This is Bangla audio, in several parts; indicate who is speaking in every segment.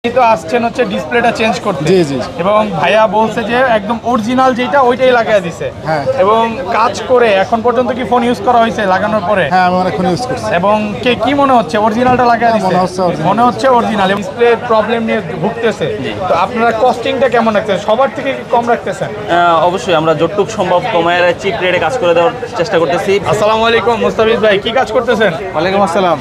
Speaker 1: তো আসছেন হচ্ছে ডিসপ্লেটা চেঞ্জ করতে।
Speaker 2: জি জি
Speaker 1: এবং ভাইয়া বলছে যে একদম অরিজিনাল যেটা ওইটাই লাগায় দিছে।
Speaker 2: হ্যাঁ।
Speaker 1: এবং কাজ করে এখন পর্যন্ত কি ফোন ইউজ করা হয়েছে লাগানোর পরে?
Speaker 2: হ্যাঁ আমি অনেকক্ষণ ইউজ করছি।
Speaker 1: এবং কি মনে হচ্ছে অরিজিনালটা লাগায় দিছে?
Speaker 2: মনে হচ্ছে original।
Speaker 1: মনে হচ্ছে অরিজিনাল। ডিসপ্লে প্রবলেম নিয়ে ভুগতেছে। তো আপনারা কস্টিংটা কেমন রাখতেছেন? সবার থেকে কি কম রাখতেছেন?
Speaker 3: অবশ্যই আমরা যতটুক সম্ভব কমায় চিপ রেটে কাজ করে দেওয়ার চেষ্টা করতেছি।
Speaker 1: আসসালামু আলাইকুম মুস্তাফিজ ভাই, কি কাজ করতেছেন?
Speaker 4: ওয়ালাইকুম আসসালাম।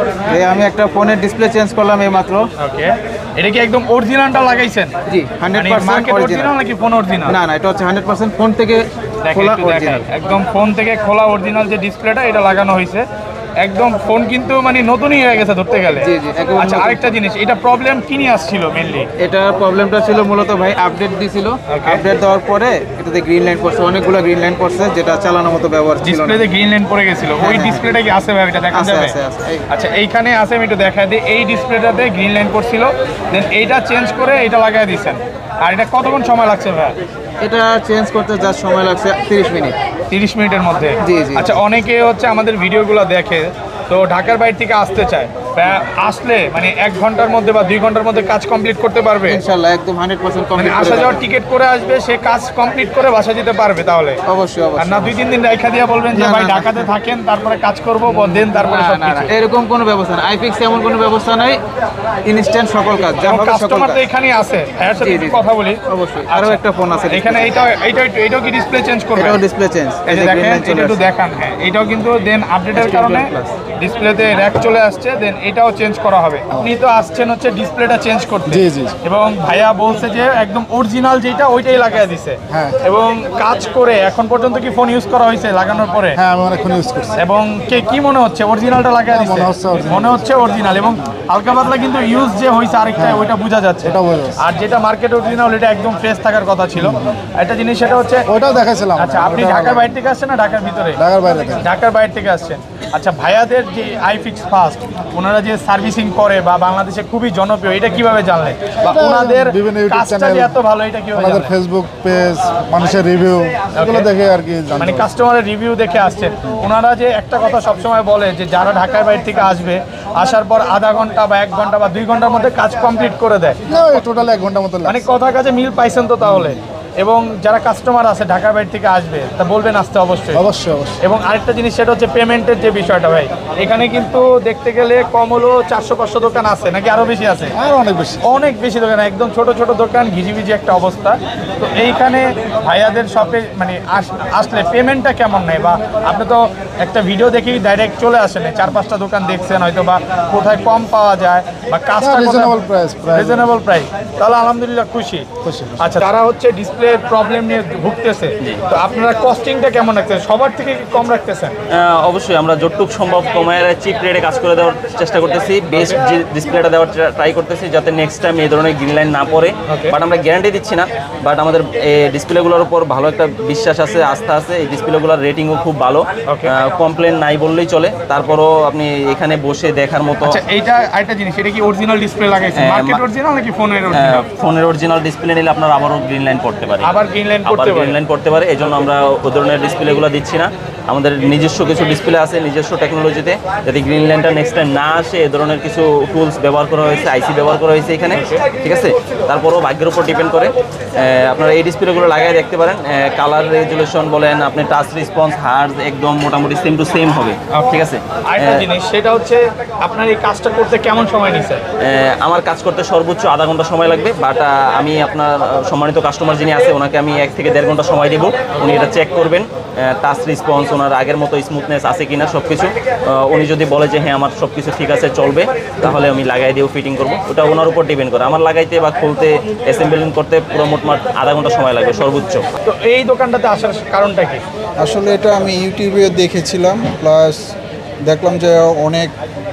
Speaker 4: আমি একটা ফোনের ডিসপ্লে চেঞ্জ করলাম এই মাত্র।
Speaker 1: ওকে, এটা কি একদম অরিজিনালটা লাগাইছেন?
Speaker 4: জি 100%
Speaker 1: মার্কেট
Speaker 4: অরিজিনাল।
Speaker 1: অরিজিনাল নাকি ফোন অরিজিনাল?
Speaker 4: না এটা হচ্ছে 100% ফোন থেকে খোলা অরিজিনাল।
Speaker 1: একদম ফোন থেকে খোলা অরিজিনাল যে ডিসপ্লেটা এটা লাগানো হয়েছে। একদম ফোন কিন্তু মানে নতুনই হয়ে গেছে ধরতে গেলে।
Speaker 4: জি, জি, একদম
Speaker 1: আচ্ছা,
Speaker 4: নতুন।
Speaker 1: আরেকটা জিনিস, এটা প্রবলেম কি নিয়ে আসছিল মেইনলি?
Speaker 4: এটার প্রবলেমটা ছিল মূলত ভাই আপডেট দিছিল।
Speaker 1: Okay.
Speaker 4: আপডেট দেওয়ার পরে এটাতে গ্রিন লাইন পড়ছে, অনেকগুলো গ্রিন লাইন পড়ছে যেটা চালানোর মতো ব্যবহার ছিল না।
Speaker 1: ডিসপ্লেতে গ্রিন লাইন পড়ে গেছিল। ওই
Speaker 4: হ্যাঁ,
Speaker 1: ডিসপ্লেটা কি আছে ভাই? এটা দেখা
Speaker 4: আছে,
Speaker 1: যাবে?
Speaker 4: আছে, আছে।
Speaker 1: আচ্ছা, এইখানে আছে, আমি একটু দেখাই দিই। এই ডিসপ্লেটাতে গ্রিন লাইন পড়ছিল, দেন এইটা চেঞ্জ করে এটা লাগাই দিয়েছেন। আর এটা কতক্ষণ সময় লাগছে ভাই?
Speaker 4: এটা চেঞ্জ করতে যা সময় লাগছে 30 মিনিট।
Speaker 1: 30 মিনিটের মধ্যে?
Speaker 4: জি, জি।
Speaker 1: আচ্ছা, অনেকে হচ্ছে আমাদের ভিডিওগুলো দেখে, তো ঢাকার বাইরে থেকে আসতে চায়, আসলে মানে 1 ঘন্টার মধ্যে বা 2 ঘন্টার মধ্যে কাজ কমপ্লিট করতে পারবে?
Speaker 4: ইনশাআল্লাহ একদম 100%
Speaker 1: মানে
Speaker 4: কমপ্লিট
Speaker 1: আসা যাওয়ার টিকিট করে আসবে, সে কাজ কমপ্লিট করে বাসা যেতে পারবে তাহলে?
Speaker 4: অবশ্যই
Speaker 1: আর না
Speaker 4: অবশ্যই।
Speaker 1: 2-3 দিন রেখা দিয়ে বলবেন যে
Speaker 4: না,
Speaker 1: ভাই
Speaker 4: না, না।
Speaker 1: ঢাকাতে থাকেন, তারপরে কাজ করবো, দেন তারপরে
Speaker 4: না,
Speaker 1: সব
Speaker 4: না, না,
Speaker 1: কিছু?
Speaker 4: এরকম কোনো ব্যবস্থা নাই। আইফিক্স এমন কোনো ব্যবস্থা নাই। ইনস্ট্যান্ট সকল কাজ যা হবে সকল
Speaker 1: কাস্টমার
Speaker 4: কাজ।
Speaker 1: তো এখানেই আছে, ভাইয়ের সাথে
Speaker 4: জি,
Speaker 1: একটু
Speaker 4: জি।
Speaker 1: কথা বলি।
Speaker 4: অবশ্যই আরো একটা ফোন আছে
Speaker 1: এখানে এইটাও কি ডিসপ্লে চেঞ্জ করবে?
Speaker 4: এটাও ডিসপ্লে চেঞ্জ।
Speaker 1: এই যে দেখেন, এটা একটু দেখান। হ্যাঁ, এটাও কিন্তু দেন আপডেটের কারণে ডিসপ্লেতে র্যাক চলে আসছে, দেন এটাও চেঞ্জ করা হবে। আপনি তো আসছেন হচ্ছে ডিসপ্লেটা চেঞ্জ করতে।
Speaker 2: জি, জি।
Speaker 1: এবং ভাইয়া বলছে যে একদম অরিজিনাল যেটা ওইটাই লাগায় দিছে।
Speaker 2: হ্যাঁ।
Speaker 1: এবং কাজ করে এখন পর্যন্ত কি ফোন ইউজ করা হয়েছে লাগানোর পরে?
Speaker 2: হ্যাঁ আমি অনেকক্ষণ ইউজ করছি।
Speaker 1: এবং কি মনে হচ্ছে অরিজিনালটা লাগায় দিছে?
Speaker 2: মনে হচ্ছে original।
Speaker 1: মনে হচ্ছে অরিজিনাল। এবং হালকা পাতলা কিন্তু ইউজ যে হয়েছে আরেকটা, ওইটা বোঝা যাচ্ছে।
Speaker 2: ওটা বোঝা যাচ্ছে।
Speaker 1: আর যেটা মার্কেট অরিজিনাল এটা একদম ফ্রেশ থাকার কথা ছিল। একটা জিনিস সেটা হচ্ছে,
Speaker 2: ওইটাও দেখাইছিলাম।
Speaker 1: আচ্ছা, আপনি
Speaker 2: ওটা
Speaker 1: ঢাকার বাইরে থেকে আসছেন না ঢাকার ভিতরে?
Speaker 2: ঢাকার বাইরে থেকে।
Speaker 1: ঢাকার বাইরে থেকে আসছেন। আচ্ছা, ভাইয়াদের যে আইফিক্স ফার্স্ট, ওনারা যে সার্ভিসিং করে বা বাংলাদেশে খুবই জনপ্রিয়, এটা কিভাবে জানলেন? বা
Speaker 2: এটা
Speaker 1: ওনাদের
Speaker 2: বিভিন্ন ইউটিউব
Speaker 1: কাজটা যে
Speaker 2: চ্যানেল,
Speaker 1: এত ভালো, এটা কিভাবে
Speaker 2: আমাদের
Speaker 1: জানলেন?
Speaker 2: ফেসবুক পেজ, মানুষের রিভিউ, এগুলো দেখে আর কি জানতে
Speaker 1: মানে
Speaker 2: পারি।
Speaker 1: কাস্টমারের রিভিউ দেখে আসছেন। ওনারা যে একটা কথা সবসময় বলে যে যারা ঢাকার বাইরে থেকে আসবে, আসার পর আধা ঘন্টা বা 1 ঘন্টা বা 2 ঘন্টার মধ্যে কাজ কমপ্লিট করে দেয়।
Speaker 2: না টোটাল 1 ঘন্টা মতো
Speaker 1: মানে
Speaker 2: লাগে।
Speaker 1: কথা কাজে মিল পাইছেন তো তাহলে? এবং যারা কাস্টমার আছে ঢাকার বাইরে থেকে আসবে, তা বলবেন আসতে অবশ্যই।
Speaker 2: অবশ্যই অবশ্যই।
Speaker 1: এবং আরেকটা জিনিস সেটা হচ্ছে পেমেন্টের যে বিষয়টা ভাই, এখানে কিন্তু দেখতে গেলে কম হলো 400-500 দোকান আছে, নাকি আরো বেশি আছে?
Speaker 2: আর অনেক বেশি।
Speaker 1: অনেক বেশি দোকান, একদম ছোট ছোট দোকান, ঘিজিবিজি একটা অবস্থা। তো এইখানে ভাইয়াদের শপে মানে আসলে পেমেন্টটা কেমন নেয়? বা আপনি তো একটা ভিডিও দেখেই ডাইরেক্ট চলে আসেন, 4-5টা দোকান দেখছেন হয়তো, বা কোথায় কম পাওয়া যায় বা কাজটা
Speaker 2: রিজনেবল প্রাইস।
Speaker 1: রিজনেবল প্রাইস, তাহলে আলহামদুলিল্লাহ খুশি।
Speaker 2: খুশি।
Speaker 1: আচ্ছা, তারা হচ্ছে ডিসপ্লে প্রবলেম নিয়ে ভুগতেছে, তো আপনারা কস্টিংটা কেমন রাখতেছেন? সবার থেকে কি কম রাখতেছেন?
Speaker 3: অবশ্যই আমরা যতটুক সম্ভব কমায় চিপ রেটে কাজ করে দেওয়ার চেষ্টা করতেছি। বেস্ট যে ডিসপ্লেটা দেওয়ার ট্রাই করতেছি যাতে নেক্সট টাইম এই ধরনের গ্রিন লাইন না পড়ে।
Speaker 1: Okay.
Speaker 3: বাট আমরা গ্যারান্টি দিচ্ছি না, বাট আমাদের ডিসপ্লেগুলোর উপর ভালো একটা বিশ্বাস আছে, আস্থা আছে। এই ডিসপ্লেগুলোর রেটিংও খুব ভালো,
Speaker 1: Okay.
Speaker 3: কমপ্লেন নাই বললেই চলে। তারপরও আপনি এখানে বসে দেখার মতো।
Speaker 1: আচ্ছা, এইটা আরেকটা জিনিস, এটা কি অরিজিনাল ডিসপ্লে লাগাইছেন?
Speaker 3: হ্যাঁ,
Speaker 1: মার্কেট অরিজিনাল নাকি ফোনের অরিজিনাল?
Speaker 3: ফোনের অরিজিনাল ডিসপ্লে নিলে আপনার আবারও গ্রিন লাইন পড়তে পারে।
Speaker 1: আবার গ্রিন লাইন
Speaker 3: আবার
Speaker 1: করতে
Speaker 3: গ্রিন
Speaker 1: পারে?
Speaker 3: লাইন পড়তে পারে, এই জন্য আমরা ওই ধরনের ডিসপ্লেগুলো দিচ্ছি না। আমাদের নিজস্ব কিছু ডিসপ্লে আছে, নিজস্ব টেকনোলজিতে, যাতে গ্রিন লাইনটা নেক্সট টাইম না আসে এ ধরনের কিছু টুলস ব্যবহার করা হয়েছে, আইসি ব্যবহার করা হয়েছে এখানে, ঠিক আছে? তারপরও ভাগ্যের উপর ডিপেন্ড করে। আপনারা এই ডিসপ্লেগুলো লাগাই দেখতে পারেন। কালার রেজুলেশন বলেন, আপনি টাচ রেসপন্স, হার্জ একদম মোটামুটি সেম টু সেম হবে, ঠিক আছে?
Speaker 1: আরেকটা জিনিস সেটা হচ্ছে, আপনার এই কাজটা করতে কেমন সময় নিছে?
Speaker 3: আমার কাজ করতে সর্বোচ্চ আধা ঘন্টা সময় লাগবে, বাট আমি আপনার সম্মানিত কাস্টমার যিনি আছে ওনাকে আমি 1 থেকে 1.5 ঘন্টা সময় দেবো। উনি এটা চেক করবেন, টাচ রেসপন্স ওনার আগের মতো স্মুথনেস আছে কিনা সব কিছু। উনি যদি বলে যে হ্যাঁ আমার সব কিছু ঠিক আছে, চলবে, তাহলে আমি লাগাই দিয়েও ফিটিং করবো। ওটা ওনার উপর ডিপেন্ড করে। আমার লাগাইতে বা খুলতে, অ্যাসেম্বলিং করতে পুরো মোটমাট আধা ঘন্টা সময় লাগবে সর্বোচ্চ।
Speaker 1: তো এই দোকানটাতে আসার কারণটা কি?
Speaker 5: আসলে এটা আমি ইউটিউবে দেখেছিলাম, প্লাস দেখলাম যে অনেক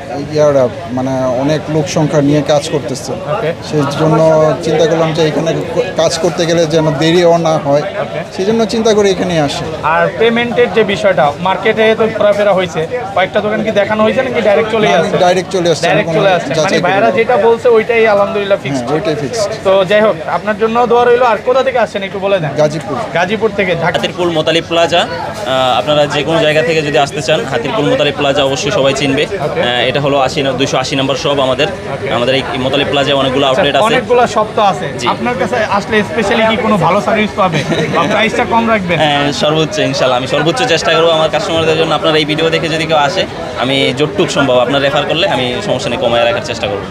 Speaker 5: মানে অনেক লোক সংখ্যা নিয়ে কাজ করতেছে।
Speaker 1: ওকে।
Speaker 5: সেই জন্য চিন্তা করলাম যে এখানে কাজ করতে গেলে যেন দেরিও না হয়, সেই জন্য চিন্তা করে এখানে আসে।
Speaker 1: আর পেমেন্টের যে বিষয়টা, মার্কেটে তো ঘোরাফেরা হয়েছে, কয়েকটা দোকান কি দেখানো হয়েছে নাকি ডাইরেক্ট চলে আসছে?
Speaker 5: ডাইরেক্ট চলে আসছে,
Speaker 1: ডাইরেক্ট
Speaker 5: কোনো
Speaker 1: চলে আসছে, মানে
Speaker 5: যাচাই করি
Speaker 1: ভাইয়ারা
Speaker 5: না।
Speaker 1: যেটা বলছে ওইটাই আলহামদুলিল্লাহ ফিক্স।
Speaker 5: হ্যাঁ, ওইটাই ফিক্সড।
Speaker 1: তো যাই হোক, আপনার জন্য দোয়া রইলো। আর কোথা থেকে আসছেন একটু বলে দেন।
Speaker 5: গাজীপুর।
Speaker 1: গাজীপুর থেকে ঢাকা।
Speaker 3: হাতিরপুল মোতালিব প্লাজা, আপনারা যে কোনো জায়গা থেকে যদি আসতে চান, হাতিরপুল মোতালিব প্লাজা অবশ্যই সবাই চিনবে। এটা হলো 280 নম্বর শপ আমাদের। আমাদের এই মোতালিব প্লাজায় অনেকগুলো আউটলেট আছে।
Speaker 1: অনেকগুলো শপ তো আছে,
Speaker 3: জি।
Speaker 1: আপনার কাছে আসলে স্পেশালি কি কোনো ভালো সার্ভিস পাবে বা প্রাইসটা কম রাখবেন?
Speaker 3: হ্যাঁ, সর্বোচ্চ ইনশাল্লাহ আমি সর্বোচ্চ চেষ্টা করবো আমার কাস্টমারদের জন্য। আপনার এই ভিডিও দেখে যদি কেউ আসে, আমি যতটুকু সম্ভব আপনার রেফার করলে আমি সমস্যা নেই কমায় রাখার চেষ্টা করবো।